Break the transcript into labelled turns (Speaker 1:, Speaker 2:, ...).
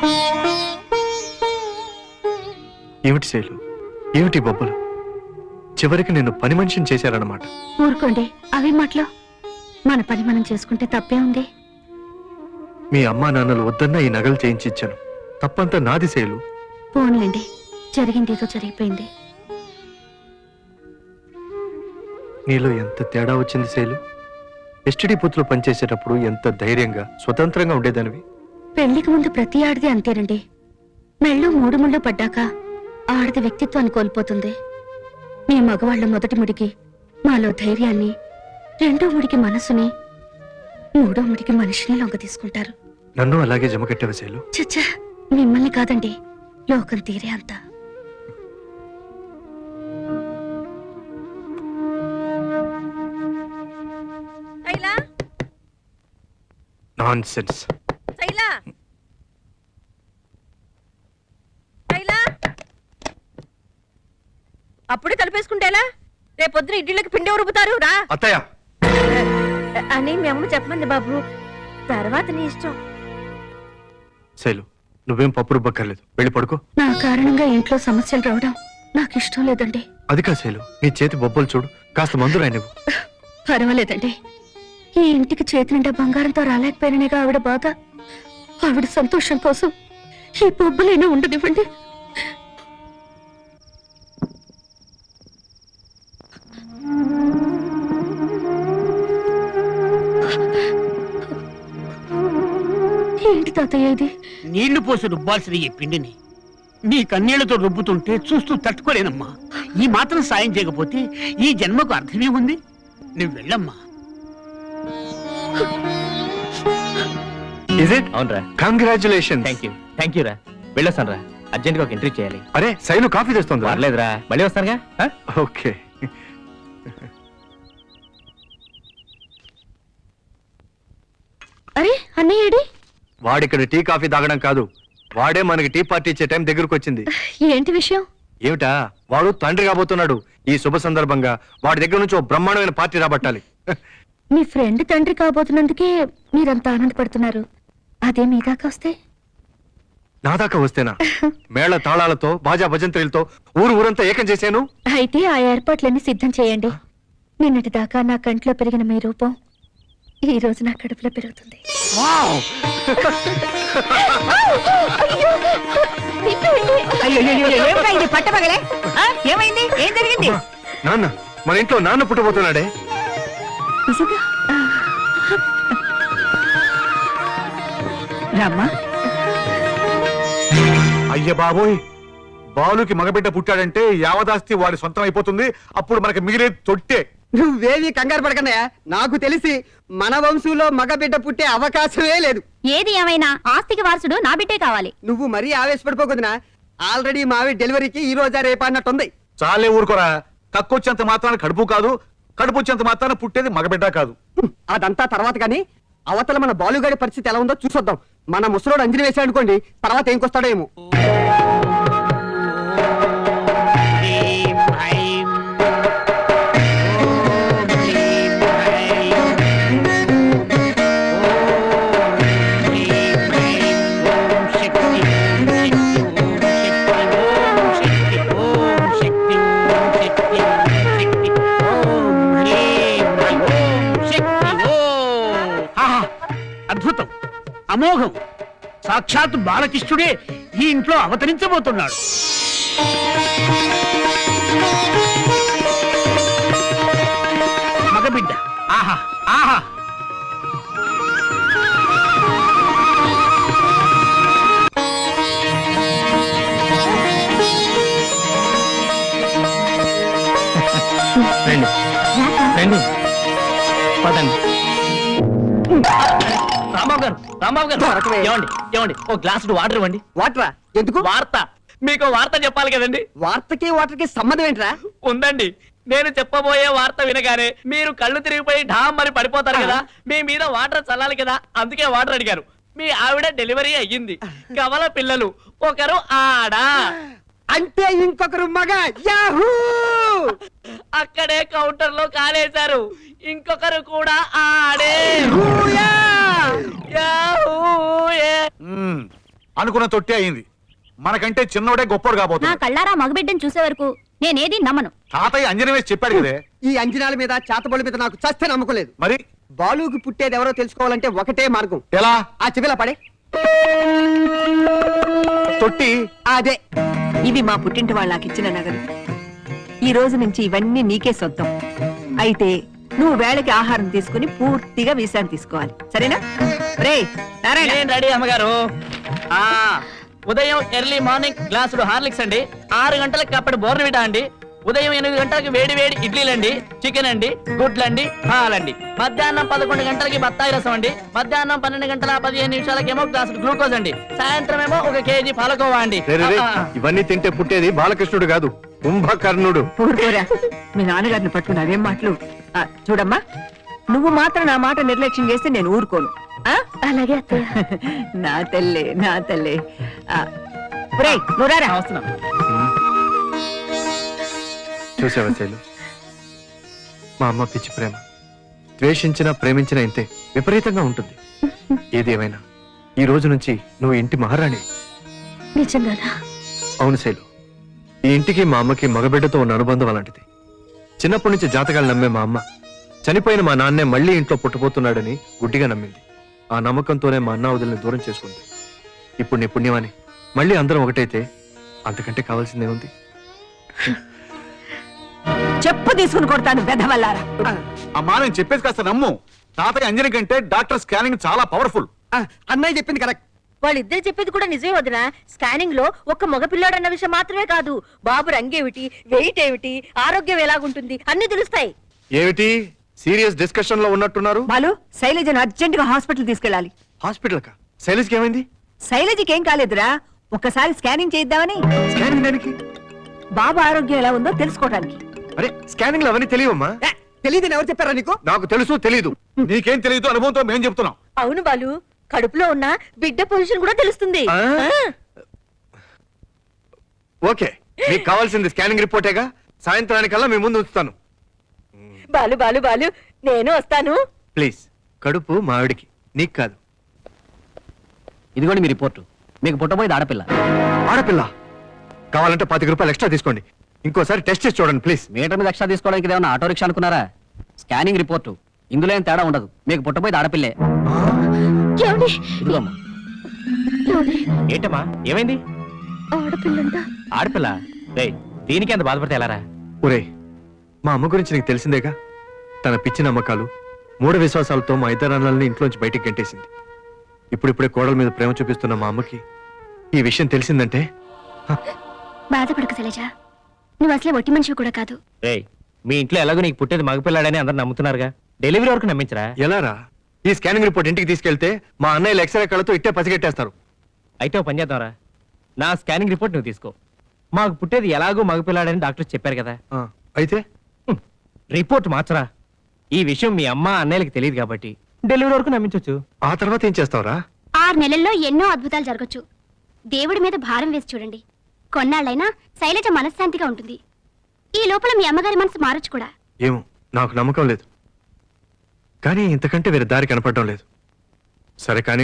Speaker 1: ఏమిటి శైలు, ఏమిటి బొబ్బలు? చివరికి నిన్ను పని మనిషిని చేశారన్నమాట.
Speaker 2: ఊరుకోండి, అవే మాటలు. మన పని మనం చేసుకుంటే తప్పే ఉంది.
Speaker 1: మీ అమ్మా నాన్నలు వద్దన్నా ఈ నగలు చేయించి ఇచ్చాను. తప్పంతా నాది శైలు.
Speaker 2: పోన్లేండి, జరిగిందేదో జరిగిపోయింది.
Speaker 1: నీలో ఎంత తేడా వచ్చింది శైలు. ఎస్టీడీ బూత్లో పనిచేసేటప్పుడు ఎంత ధైర్యంగా స్వతంత్రంగా ఉండేదానివి.
Speaker 2: పెళ్లికి ముందు ప్రతి ఆడది అంతేనండి. మెళ్ళు మూడు ముళ్ళు పడ్డాక ఆడది వ్యక్తిత్వాన్ని కోల్పోతుంది. మీ మగవాళ్ళ మొదటి ముడికి మాలో ధైర్యాన్ని, రెండో ముడికి మనసుని, మూడో ముడికి మనిషిని లొంగ తీసుకుంటారు.
Speaker 1: నన్ను అలాగే జమకట్టావు శైలు.
Speaker 2: చచ్చా, మిమ్మల్ని కాదండి, లోకం తీరే అంత.
Speaker 1: నాన్సెన్స్.
Speaker 3: అప్పుడే తలుపేసుకుంటేలా? రేపొద్దున ఇడ్లీలకు పిండి రుబ్బుతారు రా
Speaker 1: అత్తయ్య
Speaker 3: అని మీ అమ్మ చెప్పమంది బాబు. తర్వాత నీ ఇష్టం.
Speaker 1: శైలు, నువ్వేం పప్పు రుబ్బక్కర్లేదు, వెళ్ళి పడుకో.
Speaker 2: నా కారణంగా ఇంట్లో సమస్యలు రావడం నాకు ఇష్టం లేదండి.
Speaker 1: అది కా శైలు, నీ చేతి బొబ్బలు చూడు, కాస్త మందు రానివ్వు.
Speaker 2: పర్వాలేదండి, ఈ ఇంటికి చేతి నిండా బంగారంతో రాలేకపోయినగా ఆవిడ బాధ. ఆవిడ సంతోషం కోసం ఈ బొబ్బలైనా ఉండనివ్వండి. ఏంటి తాతయ్య ఇది?
Speaker 4: నీళ్లు పోసి రుబ్బాల్సిన ఈ పిండిని నీ కన్నీళ్లతో రుబ్బుతుంటే చూస్తూ తట్టుకోలేనమ్మా. ఈ మాత్రం సాయం చేయకపోతే ఈ జన్మకు అర్థమే ఉంది. నువ్వు వెళ్ళమ్మా.
Speaker 1: Is it?
Speaker 5: అవునరా.
Speaker 1: Congratulations.
Speaker 5: థ్యాంక్ యూ రా. వెళ్ళొస్తాను రా, అర్జెంట్గా ఒక ఎంట్రీ చేయాలి.
Speaker 1: అరే శైలు కాఫీ తెస్తుంది.
Speaker 5: పర్లేదురా, మళ్ళీ వస్తానుగా.
Speaker 1: ఓకే.
Speaker 2: అరే అన్నయ్యడి,
Speaker 1: వాడిక్కడ టీ కాఫీ తాగడం కాదు, వాడే మనకి టీ పార్టీ ఇచ్చే టైం దగ్గరకు వచ్చింది.
Speaker 2: ఏంటి విషయం?
Speaker 1: ఏమిటా, వాడు తండ్రి కాబోతున్నాడు. ఈ శుభ సందర్భంగా వాడి దగ్గర నుంచి ఓ బ్రహ్మాండమైన పార్టీ రాబట్టాలి.
Speaker 2: మీ ఫ్రెండ్ తండ్రి కాబోతున్నందుకే మీరంతా ఆనందపడుతున్నారు. అదే మీ దాకా వస్తే?
Speaker 1: నా దాకా వస్తేనా? మేళ తాళాలతో బాజా భజంత్రీలతో ఊరంతా ఏకం చేశాను.
Speaker 2: అయితే ఆ ఏర్పాట్లన్నీ సిద్ధం చేయండి. నిన్నటి దాకా నా కంట్లో పెరిగిన మీ రూపం ఈ రోజు నా కడుపులో పెరుగుతుంది.
Speaker 3: పట్టపగలే ఏమైంది? ఏం జరిగింది?
Speaker 1: నాన్న, మన ఇంట్లో నాన్న పుట్టబోతున్నాడే.
Speaker 3: రామ్మా.
Speaker 6: అయ్య బాబోయ్, బాలుకి మగబిడ్డ పుట్టాడంటే యావదాస్తి వాడి సొంతం అయిపోతుంది. అప్పుడు మనకి మిగిలే తొట్టే.
Speaker 7: నువ్వేవి కంగారు పడకన్నయ్యా, నాకు తెలిసి మన వంశంలో మగబిడ్డ పుట్టే అవకాశమే లేదు.
Speaker 2: ఏది ఏమైనా ఆస్తికి వారసుడు నా బిడ్డే కావాలి.
Speaker 7: నువ్వు మరీ ఆవేశపడిపోకుదినా. ఆల్రెడీ మావి డెలివరీకి ఈ రోజా రేపా అన్నట్టుంది.
Speaker 6: చాలే ఊరుకోరా. కక్కొచ్చేంత మాత్రాన కడుపు కాదు, కడుపు వచ్చేంత మాత్రాన పుట్టేది మగబిడ్డ కాదు.
Speaker 7: అదంతా తర్వాత కానీ అవతల మన బాలుగాడి పరిస్థితి ఎలా ఉందో చూసొద్దాం. మన ముసలోడు అంజలి వేసాడు అనుకోండి, తర్వాత ఏం కొస్తాడో ఏమో.
Speaker 4: అద్భుతం, అమోఘం. సాక్షాత్ బాలకృష్ణుడే ఈ ఇంట్లో అవతరించబోతున్నాడు. మగబిడ్డ. ఆహా ఆహా.
Speaker 5: రండి రండి, పదండి. రాంబాబు గారు, రాంబాబు గారు, ఏమండి ఏమండి, ఓ గ్లాసు వాటర్ ఇవ్వండి.
Speaker 7: వాటరా? ఎందుకు?
Speaker 5: వార్త, మీకు వార్త చెప్పాలి కదండి.
Speaker 7: వార్తకి వాటర్కి సంబంధం ఏంట్రా?
Speaker 5: ఉందండి. నేను చెప్పబోయే వార్త వినగానే మీరు కళ్ళు తిరిగిపోయి ఢామ్ అని పడిపోతారు కదా, మీ మీద వాటర్ చల్లాలి కదా, అందుకే వాటర్ అడిగారు. మీ ఆవిడ డెలివరీ అయ్యింది, కవల పిల్లలు, ఒకరు ఆడా.
Speaker 7: అంటే ఇంకొకరు మగ. యాహూ!
Speaker 5: అక్కడే కౌంటర్ లో కాలేశారు, ఇంకొకరు కూడా ఆడే.
Speaker 6: అనుకున్న తొట్టి అయింది. మనకంటే చిన్నోడే గొప్పోడు
Speaker 2: నా
Speaker 6: కాబోతుంది.
Speaker 2: కళ్ళారా మగబిడ్డను చూసే వరకు నేనేది నమ్మను.
Speaker 6: తాతయ్య అంజనం వేసి చెప్పాడు కదే.
Speaker 7: ఈ అంజనాల మీద చేతబడి మీద నాకు చస్తే నమ్మకం లేదు.
Speaker 6: మరి
Speaker 7: బాలుకి పుట్టేది ఎవరో తెలుసుకోవాలంటే ఒకటే మార్గం.
Speaker 6: ఎలా?
Speaker 7: ఆ చెవిలా పడే
Speaker 6: తొట్టి
Speaker 7: అదే.
Speaker 8: ఇవి మా పుట్టింటి వాళ్ళు నాకు ఇచ్చిన నగలు. ఈ రోజు నుంచి ఇవన్నీ నీకే సొంతం. అయితే నువ్వు వేళకి ఆహారం తీసుకుని పూర్తిగా విశ్రాంతి తీసుకోవాలి, సరేనా? రే నారాయణ,
Speaker 5: నేను రెడీ అమ్మగారు. ఆ ఉదయం ఎర్లీ మార్నింగ్ గ్లాసుడు హార్లిక్స్ అండి, 6 గంటలకు కప్పటి బోర్నవిటా అండి, ఉదయం 8 గంటలకు వేడి వేడి ఇడ్లీలండి, చికెన్ అండి, గుడ్లండి, పాలండి, మధ్యాహ్నం 11 గంటలకి బత్తాయి రసం అండి, మధ్యాహ్నం 12 గంటల 15 నిమిషాలకేమో గ్లాసుడు గ్లూకోజ్ అండి, సాయంత్రం ఏమో 1 కేజీ పాలకోవా అండి.
Speaker 1: రే, రే, రే, ఇవన్నీ తింటే పుట్టేది బాలకృష్ణుడు కాదు, కుంభకర్ణుడు.
Speaker 8: ఊరుకోరా, మీ నాన్నగారిని పట్టుకుని అవేం మాటలు. చూడమ్మా, నువ్వు మాత్రం నా మాట నిర్లక్ష్యం చేస్తే నేను ఊరుకోను. ఆ?
Speaker 2: అలాగే అత్తయ్య.
Speaker 8: నా తల్లే, నా తల్లే. ఒరేయ్, నువ్వు రారా.
Speaker 5: వస్తున్నాం.
Speaker 1: చూసావా శైలు, మా అమ్మ పిచ్చి ప్రేమ. ద్వేషించినా ప్రేమించినా ఇంతే విపరీతంగా ఉంటుంది. ఏదేమైనా ఈ రోజు నుంచి నువ్వు ఇంటి మహారాణి.
Speaker 2: నిజంగానా?
Speaker 1: అవును శైలు, ఈ ఇంటికి మా అమ్మకి మగబిడ్డతో ఉన్న అనుబంధం అలాంటిది. చిన్నప్పటి నుంచి జాతకాలు నమ్మే మా అమ్మ చనిపోయిన మా నాన్నే మళ్ళీ ఇంట్లో పుట్టబోతున్నాడని గుడ్డిగా నమ్మింది. ఆ నమ్మకంతోనే మా అన్న వదిలిని దూరం చేసుకుంది. ఇప్పుడు నీ పుణ్యమని మళ్ళీ అందరం ఒకటైతే అంతకంటే కావాల్సిందే ఉంది.
Speaker 8: చెప్పు తీసుకుని కొడతాను బెదవల్లారా.
Speaker 6: అమ్మా నేను చెప్పేది కాస్త నమ్ము. తాతయ్య అంజని కంటే డాక్టర్ స్కానింగ్ చాలా పవర్ఫుల్.
Speaker 7: అన్నయ్య చెప్పింది కరెక్ట్.
Speaker 3: వాళ్ళిద్దరు చెప్పేది కూడా నిజమే వదినా. స్కానింగ్ లో ఒక్క మగపిల్లాడు అన్న విషయం మాత్రమే కాదు, బాబు రంగేమిటి, వెయిట్ ఏమిటి, ఆరోగ్యం ఎలాగుంటుంది అన్ని తెలుస్తాయి.
Speaker 1: ఏమిటి సీరియస్ డిస్కషన్ లో ఉన్నట్టున్నారు?
Speaker 8: బాలు, శైలజను అర్జెంట్ గా హాస్పిటల్ తీసుకెళ్ళాలి.
Speaker 1: హాస్పిటల్ కా? శైలజ్కి ఏమైంది?
Speaker 8: శైలజకి ఏం కాలేదురా, ఒక్కసారి స్కానింగ్ చేద్దామని.
Speaker 1: స్కానింగ్ దానికి?
Speaker 8: బాబు ఆరోగ్యం ఎలా ఉందో తెలుసుకోవడానికి.
Speaker 1: అరే స్కానింగ్ లో అవన్నీ తెలియవమ్మా.
Speaker 7: తెలియదని ఎవరు చెప్పారా నీకు?
Speaker 1: నాకు తెలుసు తెలీదు.
Speaker 6: నీకేం తెలియదు, అనుభవంతో మేం చెప్తున్నాం.
Speaker 3: అవును బాలు, కడుపులో ఉన్న బిడ్డ పొజిషన్ కూడా తెలుస్తుంది.
Speaker 1: ఆ? ఓకే, మీకు కావాల్సింది స్కానింగ్ రిపోర్టేగా. సాయంత్రానికల్లా మీ ముందు ఉంచుతాను.
Speaker 3: బాలు బాలు బాలు, నేను వస్తాను.
Speaker 1: ప్లీజ్, కడుపు మా ఆవిడికి, నీకు కాదు.
Speaker 5: ఇదిగోండి మీ రిపోర్టు. మీకు పుట్టబోయేది ఆడపిల్ల.
Speaker 1: ఆడపిల్ల కావాలంటే 25 రూపాయలు ఎక్స్ట్రా తీసుకోండి. ఇంకోసారి టెస్ట్ చేసి చూడండి ప్లీజ్.
Speaker 5: మీటర్ మీద ఎక్స్ట్రా తీసుకోవడానికి ఏమన్నా ఆటో రిక్షా అనుకున్నారా? స్కానింగ్ రిపోర్టు, ఇందులో ఏం తేడా ఉండదు. మీకు పుట్టబోయేది ఆడపిల్లే.
Speaker 2: ఏమండి?
Speaker 5: ఇదిగోమ్మా.
Speaker 2: ఏమండి?
Speaker 5: ఏంటమ్మా ఏమైంది?
Speaker 2: ఆడపిల్లంట.
Speaker 5: ఆడపిల్ల? రేయ్, దీనికి ఎంత బాధపడితే ఎలారా?
Speaker 1: ఒరే, మా అమ్మ గురించి నీకు తెలిసిందేగా. తన పిచ్చి నమ్మకాలు, మూఢ విశ్వాసాలతో మా ఇద్దరు అన్నల్ని ఇంట్లోంచి బయటికి గంటేసింది. ఇప్పుడిప్పుడే కోడల మీద ప్రేమ చూపిస్తున్న మా అమ్మకి ఈ విషయం తెలిసిందంటే
Speaker 2: బాధపడకు శైలజ, నువ్వు అసలే ఒట్టి మనిషివి కూడా కాదు.
Speaker 5: రేయ్, మీ ఇంట్లో ఎలాగో నీకు పుట్టేది మగపిల్లాడని అందరు నమ్ముతున్నారుగా. డెలివరీ వరకు నమ్మించరా?
Speaker 1: ఎలారా? ఈ స్కానింగ్ రిపోర్ట్ ఇంటికి తీసుకెళ్తే మా అన్నయ్యలు ఎక్స్రే కళ్ళతో ఇట్టే పసిగట్టేస్తారు.
Speaker 5: అయితే ఓ పని చేద్దాంరా, నా స్కానింగ్ రిపోర్ట్ నువ్వు తీసుకో. మాకు పుట్టేది ఎలాగో మగపిల్లాడని డాక్టర్ చెప్పారు కదా.
Speaker 1: ఆ, అయితే
Speaker 5: రిపోర్ట్ మార్చరా. ఈ విషయం మీ అమ్మ అన్నయ్యలకి తెలియదు కాబట్టి డెలివరీ వరకు నమ్మించవచ్చు.
Speaker 1: ఆ తర్వాత ఏం చేస్తావురా?
Speaker 2: 6 నెలల్లో ఎన్నో అద్భుతాలు జరగచ్చు. దేవుడి మీద భారం వేసి చూడండి, కొన్నాళ్ళైనా శైలజ మనశ్శాంతిగా ఉంటుంది. ఈ లోపల మీ అమ్మగారి మనసు మారచ్చు కూడా.
Speaker 1: ఏమో, నాకు నమ్మకం లేదు. కానీ ఇంతకంటే వేరే దారి కనపడడం లేదు. సరే కానీ